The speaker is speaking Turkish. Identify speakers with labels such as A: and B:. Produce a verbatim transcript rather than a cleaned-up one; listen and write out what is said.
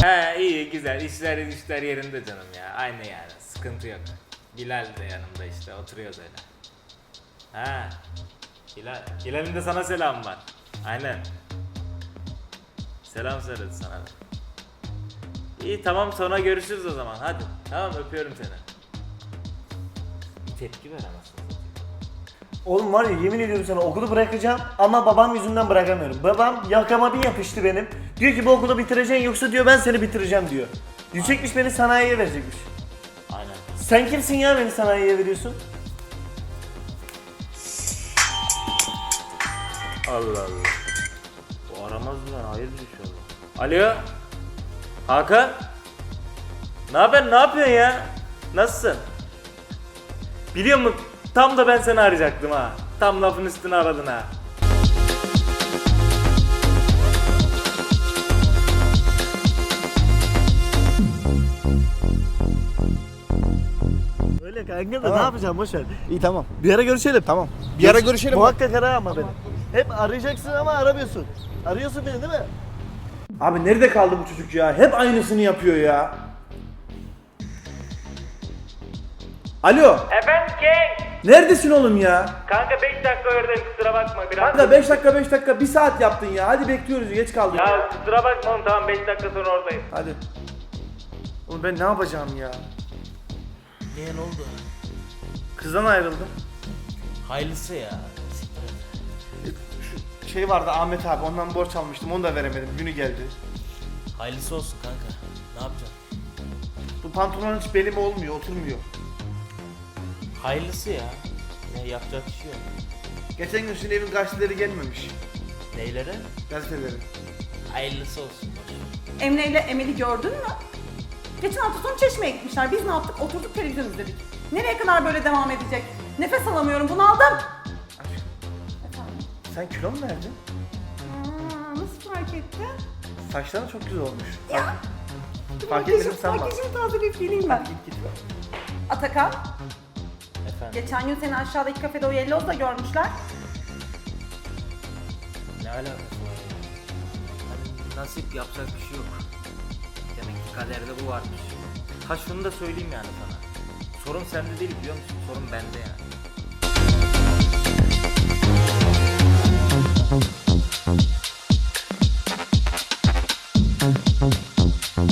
A: He iyi güzel işler işler yerinde canım ya. Aynı yani sıkıntı yok. Hilal de yanımda işte oturuyoruz öyle. Ha. Hilal. Hilal'in de sana selam var. Aynen. Selam söyledi sana da. İyi tamam sonra görüşürüz o zaman hadi. Tamam öpüyorum seni. Bir tepki ver anasını.
B: Oğlum var ya yemin ediyorum sana okulu bırakacağım ama babam yüzünden bırakamıyorum. Babam yakama bir yapıştı benim. Diyor ki bu okulu bitireceksin yoksa diyor ben seni bitireceğim diyor. Düşecekmiş beni sanayiye verecekmiş.
A: Aynen.
B: Sen kimsin ya beni sanayiye veriyorsun?
A: Allah Allah. Bu aramaz mı lan? Hayırdır inşallah. Alo. Hakan. Ne haber? Ne yapıyorsun ya? Nasılsın? Biliyor musun? Tam da ben seni arayacaktım ha. Tam lafın üstüne aradın ha.
B: Öyle kanka da
C: Tamam.
B: ne yapacağım boşver.
C: İyi tamam.
B: Bir ara görüşelim.
C: Tamam. Bir ara görüşelim.
B: Muhakkak ara ama beni. Hep arayacaksın ama aramıyorsun. Arıyorsun beni değil mi?
C: Abi nerede kaldı bu çocuk ya? Hep aynısını yapıyor ya. Alo.
A: Efendim King.
C: Neredesin oğlum ya?
A: Kanka beş dakika oradayım kusura bakma biraz.
C: Kanka beş dakika beş dakika bir saat yaptın ya. Hadi bekliyoruz geç kaldık.
A: Ya kusura bakma oğlum tamam beş dakika sonra oradayım.
C: Hadi. Oğlum ben ne yapacağım ya?
D: Niye ne oldu?
C: Kızdan ayrıldım.
D: Hayırlısı ya.
C: Şu şey vardı Ahmet abi ondan borç almıştım onu da veremedim. Günü geldi.
D: Hayırlısı olsun kanka. Ne yapacaksın?
C: Bu pantolon hiç belime olmuyor oturmuyor.
D: Hayırlısı ya. Ne yapacak bir şey yok.
C: Geçen gün sizin evin gazeteleri gelmemiş.
D: Neylere?
C: Gazeteleri.
D: Hayırlısı olsun.
E: Emre ile Emel'i gördün mü? Geçen hafta sonu Çeşme'ye gitmişler. Biz ne yaptık? Oturduk televizyon izledik. Nereye kadar böyle devam edecek? Nefes alamıyorum, bunaldım. Efendim?
C: Sen kilo mu verdin?
E: Aa, nasıl fark etti?
C: Saçların çok güzel olmuş.
E: Ya.
C: Fark etmedim sanma.
E: Makyajımı tazeleyip geleyim ben.
C: Git git.
E: Atakan,
D: Efendim
E: geçen gün seni aşağıdaki kafede o Yellows'da görmüşler.
D: ne alakası var ya? Hani nasip yapacak bir şey yok. Demek ki kaderde bu varmış.
A: Ha şunu da söyleyeyim yani sana. Sorun sende değil biliyor musun? Sorun bende yani.